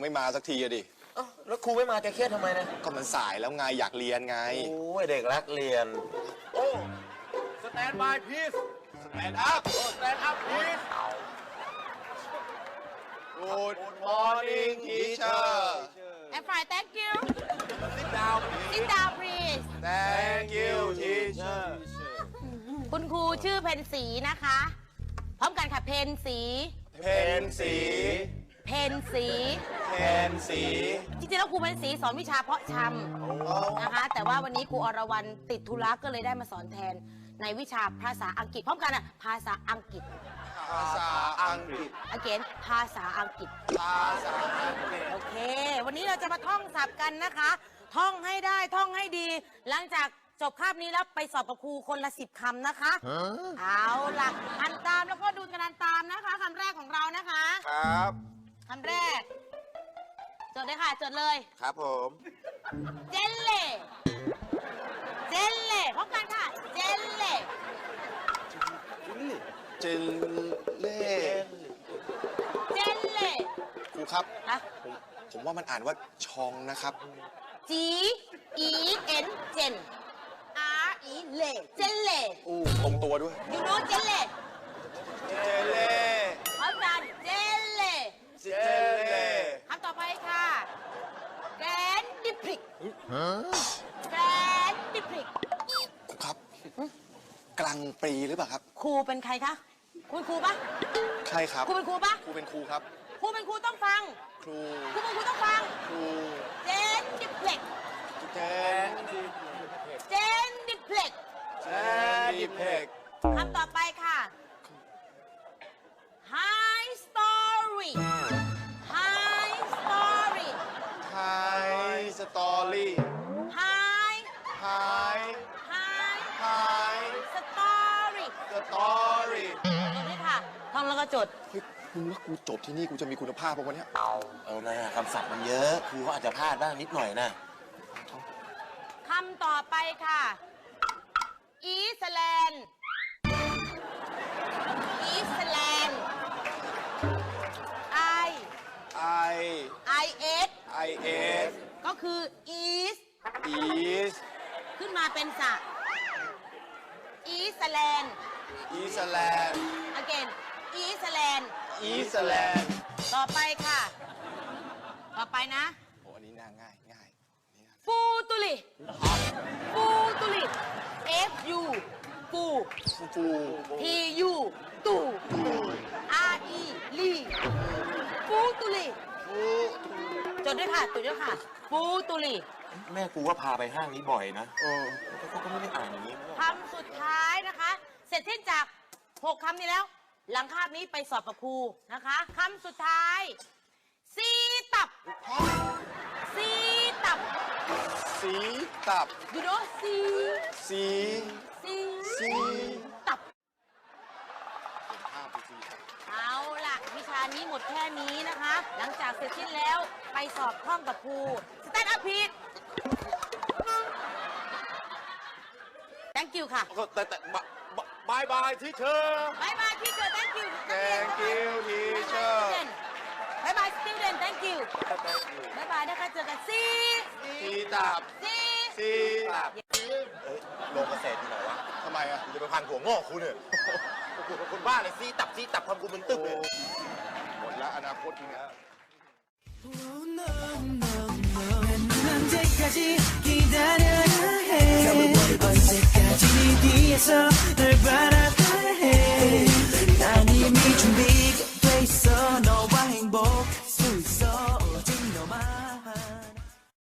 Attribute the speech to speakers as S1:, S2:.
S1: ไม่มาสักทีอะดิ
S2: แล้วครูไม่มาจะเครียดทำไมนะ
S1: ก็มันสายแล้วไงอยากเรียนไง
S2: โอ้ยเด็กรักเรียน
S3: โอ้สแตนบายพีซ
S1: สแตนด์อัพ
S3: สแตนอัพพีซ
S1: Good morning teacher
S4: I'm fine thank you
S3: sit down
S4: sit down please
S1: Thank you teacher
S4: คุณครูชื่อเพนสีนะคะ พร้อมกันค่ะเพนสี
S1: เพนสี
S4: เพนสี
S1: เพนสี
S4: จริงๆแล้วครูเพนสีสอนวิชาเพาะชำนะคะ แต่ว่าวันนี้ครูอรวรรณติดธุระก็เลยได้มาสอนแทนในวิชาภาษาอังกฤษ พร้อมกันอ่ะภาษาอังกฤษ
S1: ภาษาอังกฤษ
S4: again ภาษาอังกฤษ
S1: ภาษาอังกฤษ
S4: โอเค วันนี้เราจะมาท่องศัพท์กันนะคะ ท่องให้ได้ ท่องให้ดี หลังจากจบคาบนี้แล้วไปสอบกับครูคนละ10 คำนะคะ เอาล่ะอ่านตามแล้วก็ดูกันตามนะคะคำแรกของเรานะคะ
S1: ครับ
S4: คำแรก จดเลยค่ะ จดเลย
S1: ครับผม
S4: เจลเล่เจลเล่พร้อมกันค่ะ เจลเล่
S1: เจลเล่
S4: เจลเล่
S1: ครูครับ
S4: ฮะ
S1: ผมว่ามันอ่านว่าชองนะครับ
S4: G E N เจน R E เล่เจลเล่
S1: อู้ตรงตัวด้วย
S4: you know เจลเล่
S1: เจลเล่
S4: พร้อมกันเจลเล่
S1: เจลเล่
S4: คำต่อไปค่ะแกรนดิพริกแกรนดิพริก
S1: ครูครับ กลางปรีหรือเปล่าครับ
S4: ครูเป็นใครคะคุณครูปะ
S1: ใช่ครับ
S4: ครูเป็นครูปะ
S1: ครูเป็นครูครับ
S4: ครูเป็นครูต้องฟัง
S1: ครู
S4: ครูเป็นครูต้องฟัง
S1: ครู
S4: เจนดิพริก
S1: เจน
S4: เจนดิพริก
S1: เจนดิเพก
S4: คำต่อไปค่ะ High story High story
S1: ไฮสตอรี่
S4: High
S1: ไฮ
S4: High
S1: ไฮ
S4: story
S1: สตอรี่
S4: จดด้วยค่ะท่องแล้วก็จด
S1: เฮ้ยมึงว่ากูจบที่นี่กูจะมีคุณภาพป่ะวะเนี่ย
S2: เอานะคำศัพท์มันเยอะครูก็อาจจะพลาดบ้างนิดหน่อยนะ
S4: คำต่อไปค่ะอีสแลนด์อีสแลนด์ I
S1: ไอ
S4: I S
S1: ไอเอส
S4: ก็คือ East
S1: อีส
S4: ขึ้นมาเป็นสระอีสแลนด์
S1: อีสแลนด์
S4: again อีสแลนด์
S1: อีสแลนด์
S4: ต่อไปค่ะ ต่อไปนะ
S1: โอ้อันนี้ง่ายง่ายนี่ง่าย
S4: ฟูตุลิฟูตุลิ F U ฟู
S1: ฟู
S4: T U ตู R E ลีฟูตุลิ
S1: ฟู
S4: จดด้วยค่ะจดด้วยค่ะฟูตุลิ
S2: แม่กูว่าพาไปห้างนี้บ่อยนะ
S1: เออ
S2: เขาก็ไม่ได้อ่านอย่างนี้
S4: คำสุดท้ายนะคะ เสร็จสิ้นจาก 6 คำนี้แล้ว หลังคาบนี้ไปสอบกับครูนะคะคำสุดท้ายซีตับซีตับ
S1: สีตับ
S4: you know ซี
S1: สี
S4: ซี
S1: สี
S4: ตับ
S1: ภาพสีตับ
S4: เอาล่ะ วิชานี้หมดแค่นี้นะคะ หลังจากเสร็จสิ้นแล้วไปสอบท่องกับครูสแตนด์อัพพีท thank you ค่ะ
S3: แต่บายบายที่เธอบ
S4: ายบายที่เจอ thank you
S1: แ Thank you teacher
S4: บายบาย student thank you บายบายนะคะเจอกันซี
S1: สีตับ
S4: ซี
S1: สีตับ
S2: โลงเกษตรที่ไหนวะ
S1: ทำไมอ่ะ
S2: กูจะไปพันหัวงอกคุณเนี่ยกูเป็นคนบ้าเลยซีตับทำกูมึนตึ๊บเลย
S1: หมดแล้วอนาคตมึงอะ
S5: 언제까지 기다려